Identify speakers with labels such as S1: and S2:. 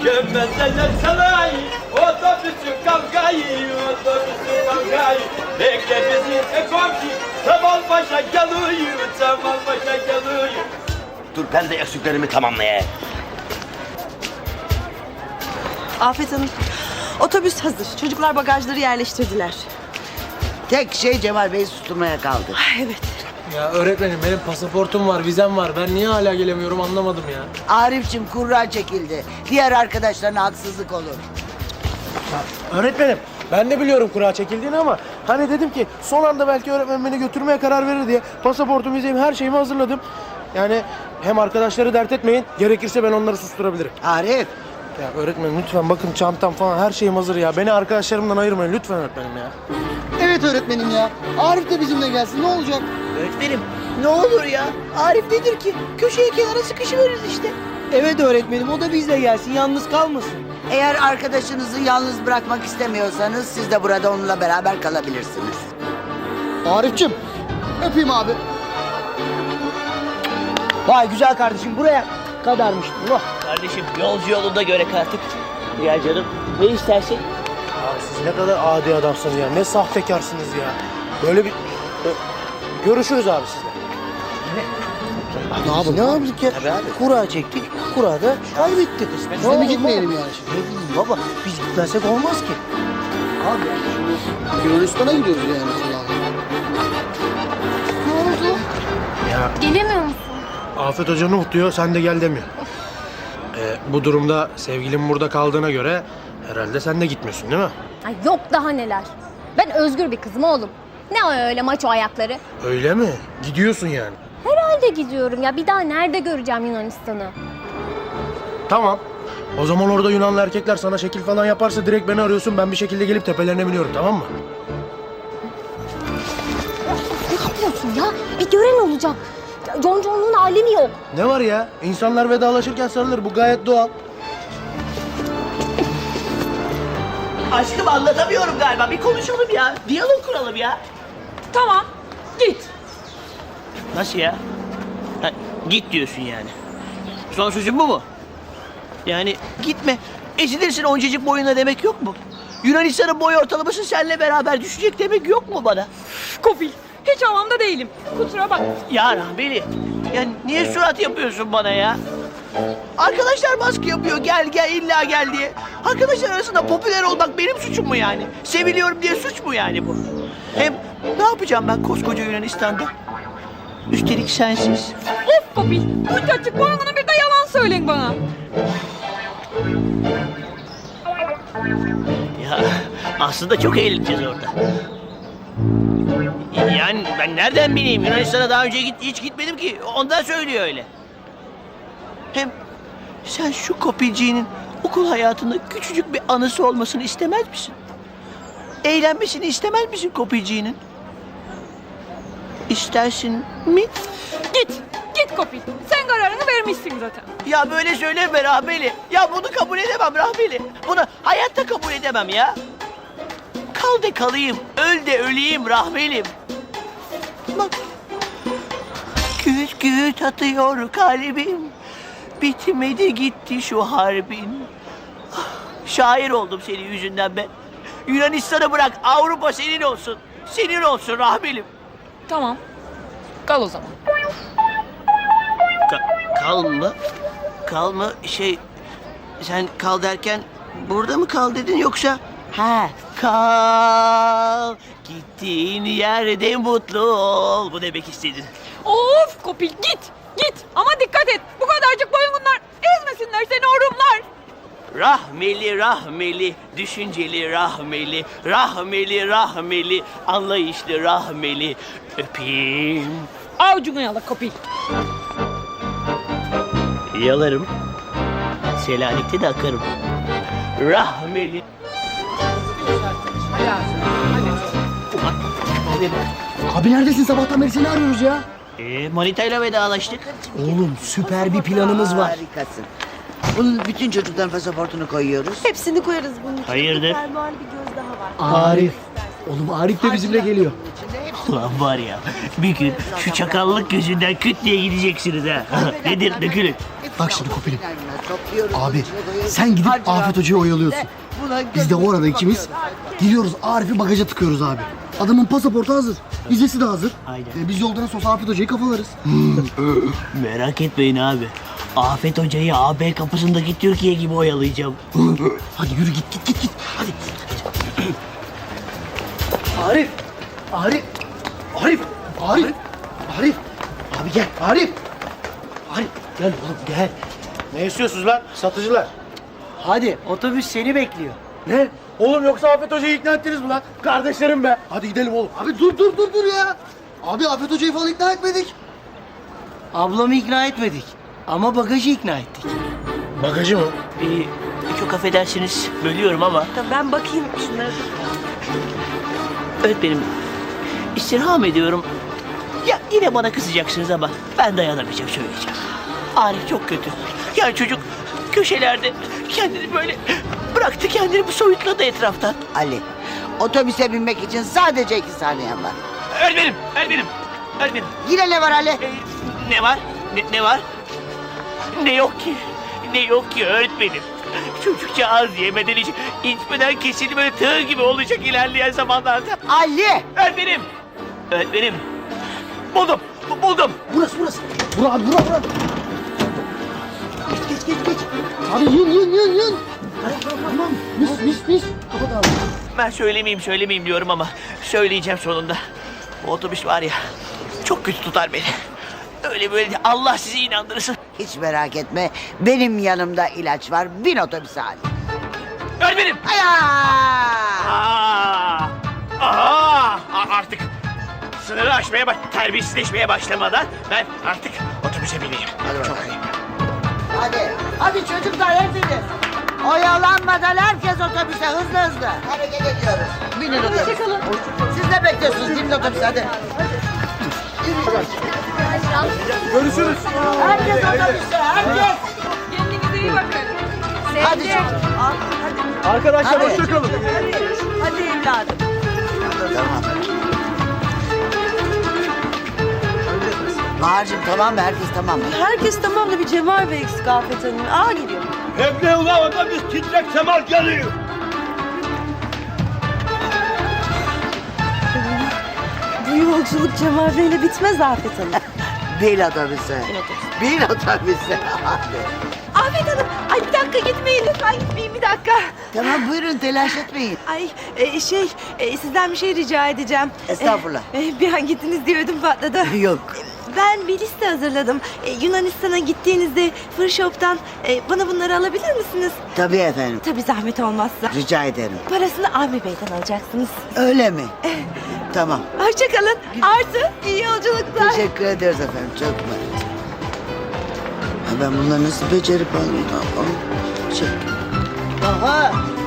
S1: Gömmezeler salayı, otobüsü kavgayı, otobüsü kavgayı. Bekle bizi komşu, Kemalpaşa geliyor, Kemalpaşa geliyor.
S2: Dur ben de eksiklerimi tamamlayayım.
S3: Afet Hanım, otobüs hazır. Çocuklar bagajları yerleştirdiler.
S4: Tek şey Cemal Bey'i susturmaya kaldı.
S3: Ay, evet.
S5: Ya öğretmenim benim pasaportum var, vizem var. Ben niye hala gelemiyorum anlamadım ya.
S4: Arif'cim kurra çekildi. Diğer arkadaşlarına haksızlık olur.
S5: Öğretmenim ben de biliyorum kura çekildiğini ama hani dedim ki son anda belki öğretmen beni götürmeye karar verir diye pasaportum, vizemi, her şeyimi hazırladım. Yani hem arkadaşları dert etmeyin, gerekirse ben onları susturabilirim.
S4: Arif,
S5: Ya öğretmenim lütfen bakın çantam falan her şeyim hazır ya. Beni arkadaşlarımdan ayırmayın lütfen öğretmenim ya.
S6: Evet öğretmenim ya. Arif de bizimle gelsin ne olacak?
S7: Öğretmenim ne olur ya. Arif nedir ki? Köşeye kenara sıkışıveririz işte.
S6: Evet öğretmenim o da bizle gelsin yalnız kalmasın.
S4: eğer arkadaşınızı yalnız bırakmak istemiyorsanız siz de burada onunla beraber kalabilirsiniz.
S6: Arif'cim öpeyim abi. Vay güzel kardeşim buraya kadarmış. Oh.
S7: Kardeşim yolcu yolunda göre artık. Ya canım ne istersen.
S5: Abi siz ne kadar adi adamsınız ya. Ne sahtekarsınız ya. Böyle bir... Görüşürüz abi sizle.
S6: Ne yapalım? Ne yaptık ya? Kura çektik. Kurada kaybettik. Biz de mi gitmeyelim yani şimdi?
S5: Ne bileyim baba, biz gitmezsek olmaz ki.
S6: Abi Yunanistan'a gidiyoruz yani falan.
S8: Ne oldu?
S5: Ya
S8: Gelemiyor musun?
S5: Afet Hoca Nuh diyor, sen de gel demiyor. Bu durumda sevgilim burada kaldığına göre herhalde sen de gitmiyorsun değil mi?
S8: Ay yok daha neler. Ben özgür bir kızım oğlum. Ne o öyle maço ayakları?
S5: Öyle mi? Gidiyorsun yani.
S8: Herhalde gidiyorum ya. Bir daha nerede göreceğim Yunanistan'ı?
S5: Tamam. O zaman orada Yunanlı erkekler sana şekil falan yaparsa direkt beni arıyorsun. Ben bir şekilde gelip tepelerine biniyorum, tamam mı?
S8: Ne yapıyorsun ya? Bir gören olacak. Conconluğun alemi yok.
S5: Ne var ya? İnsanlar vedalaşırken sarılır. Bu gayet doğal.
S7: Aşkım anlatamıyorum galiba. Bir konuşalım ya. Diyalog kuralım ya.
S3: Tamam, git.
S7: Nasıl ya? Ha, git diyorsun yani. Son sözün bu mu? Yani gitme. Ezilirsin oncacık boyuna demek yok mu? Yunanistan'ın boy ortalaması seninle beraber düşecek demek yok mu bana?
S3: Kofil, hiç havamda değilim. Kusura bak.
S7: Ya Rahmeli, ya niye surat yapıyorsun bana ya? Arkadaşlar baskı yapıyor, gel gel illa gel diye. Arkadaşlar arasında popüler olmak benim suçum mu yani? Seviliyorum diye suç mu yani bu? Hem ne yapacağım ben koskoca Yunanistan'da? Üstelik sensiz.
S3: Of Kofil, bunca açık boynuna bir de yalan söyleyin bana.
S7: Ya aslında çok eğleneceğiz orada. Yani ben nereden bileyim? Yunanistan'a daha önce hiç gitmedim ki. Ondan söylüyor öyle. Hem sen şu kopilciğinin okul hayatında küçücük bir anısı olmasını istemez misin? Eğlenmesini istemez misin kopilciğinin? İstersin mi?
S3: Git Kofil. Sen kararını vermişsin zaten.
S7: Ya böyle söyleme Rahmeli. Ya bunu kabul edemem Rahmeli. Bunu hayatta kabul edemem ya. Kal de kalayım, öl de öleyim Rahmelim. Bak. Güt güt atıyor kalbim. Bitmedi gitti şu harbin. Ah, şair oldum senin yüzünden ben. Yunanistan'ı bırak, Avrupa senin olsun. Senin olsun Rahmelim.
S3: Tamam, kal o zaman.
S7: Kal mı? Kal mı? Sen kal derken burada mı kal dedin yoksa? Ha, kal. Gittiğin yerde mutlu ol. Bu demek istedin.
S3: Of Kopil git. Ama dikkat et. Bu kadarcık boyunlar ezmesinler seni orumlar.
S7: Rahmeli, rahmeli, düşünceli rahmeli, rahmeli, rahmeli, anlayışlı rahmeli. Öpeyim.
S3: Avucunu yala Kopil.
S7: Yalarım. Selanik'te de akarım. Rahmeli.
S6: Abi neredesin sabahtan beri seni arıyoruz ya.
S7: Manitayla vedalaştık.
S6: Oğlum süper bir planımız var.
S4: Harikasın. Bunun bütün çocukların pasaportunu koyuyoruz.
S3: Hepsini koyarız bunun için.
S7: Hayırdır?
S3: Fermuarlı bir göz daha var.
S6: Arif. Oğlum Arif de bizimle geliyor.
S7: Ulan var ya, bir gün şu çakallık gözünden küt diye gideceksiniz ha. Nedir dökülün.
S6: Bak şimdi Kopil'im.
S4: Topluyoruz.
S6: Abi
S4: içine koyuyoruz.
S6: sen gidip
S4: Harcına
S6: Afet Hoca'yı oyalıyorsun.
S4: Buna
S6: Biz de o arada ikimiz gidiyoruz Arif'i bagaja tıkıyoruz abi. Adamın pasaportu hazır. Vizesi de hazır.
S7: Aynen.
S6: Biz yoldan sonra Afet Hoca'yı kafalarız.
S7: Merak etmeyin abi. Afet Hoca'yı AB kapısındaki Türkiye gibi oyalayacağım.
S6: Hadi yürü git. Hadi. Arif. Abi gel Arif. Arif gel oğlum gel.
S5: Ne istiyorsunuz lan satıcılar?
S6: Hadi otobüs seni bekliyor.
S5: Ne? Oğlum yoksa Afet Hoca'yı ikna ettiniz mi lan? Kardeşlerim be. Hadi gidelim oğlum.
S6: Abi dur ya. Abi Afet Hoca'yı falan ikna etmedik. Ablamı ikna etmedik. Ama bagajı ikna ettik.
S5: Bagajı mı?
S7: Çok affedersiniz bölüyorum ama.
S3: Ben bakayım şunlara.
S7: Öğretmenim istirham ediyorum. Ya yine bana kızacaksınız ama ben dayanamayacağım söyleyeceğim. Arif çok kötü. Yani çocuk köşelerde kendini böyle bıraktı kendini bu soyutladı etraftan.
S4: Ali, otobüse binmek için sadece 2 saniyen var.
S7: Öğretmenim.
S4: Yine ne var Ali?
S7: Ne var? Ne var? Ne yok ki? Ne yok ki öğretmenim? Çocukça az yemeden içmeden kesildi böyle tığ gibi olacak ilerleyen zamanlarda.
S4: Ali!
S7: Öğretmenim. Buldum.
S6: Burası. Bura. Geç. Abi yün. Tamam. Mis. Kapat abi.
S7: Ben söylemeyeyim diyorum ama söyleyeceğim sonunda. O otobüs var ya çok kötü tutar beni. Öyle böyle Allah sizi inandırsın.
S4: Hiç merak etme, benim yanımda ilaç var. Bin otobüse Ali.
S7: Öğretmenim. Artık sınırı aşmaya terbiyesizleşmeye başlamadan ben artık otobüse bineyim. Çok iyi.
S4: Hadi çocuklar hepiniz. Oyalanmadan herkes otobüse hızlı. Hareket ediyoruz. Binin otobüse.
S3: Hoşçakalın.
S4: Siz ne bekliyorsunuz? Binin otobüse hadi.
S5: Görüşürüz.
S4: Herkes otobüse, herkes.
S3: Kendinize iyi bakın.
S4: Hadi
S3: Sevgi.
S4: çocuğum.
S5: Arkadaşlar
S4: Hadi.
S5: hoşçakalın.
S3: Hadi evladım.
S4: Bahar'cığım tamam mı? Herkes tamam mı?
S9: Herkes tamam da bir Cemal Bey eksik Afet Hanım. Aa geliyor.
S1: Hem ne ulan otobüs titrek Kemal geliyor.
S9: Bu yolculuk Cemal Bey'le bitmez Afet Hanım.
S4: Bin otobüse. Bin otobüse.
S9: Afet Hanım, ay bir dakika gitmeyin lütfen gitmeyin bir dakika.
S4: Tamam buyurun telaş etmeyin.
S9: Ay sizden bir şey rica edeceğim.
S4: Estağfurullah.
S9: Bir an gittiniz diye ödüm patladı.
S4: Yok.
S9: Ben bir liste hazırladım. Yunanistan'a gittiğinizde Fır Shop'tan bana bunları alabilir misiniz?
S4: Tabii efendim.
S9: Tabii zahmet olmazsa.
S4: Rica ederim.
S9: Parasını Avni Bey'den alacaksınız.
S4: Öyle mi? Tamam.
S9: Hoşçakalın. Artı iyi yolculuklar.
S4: Teşekkür ederiz efendim. Çok mersi. Ben bunları nasıl becerip alayım? Çek.
S6: Aha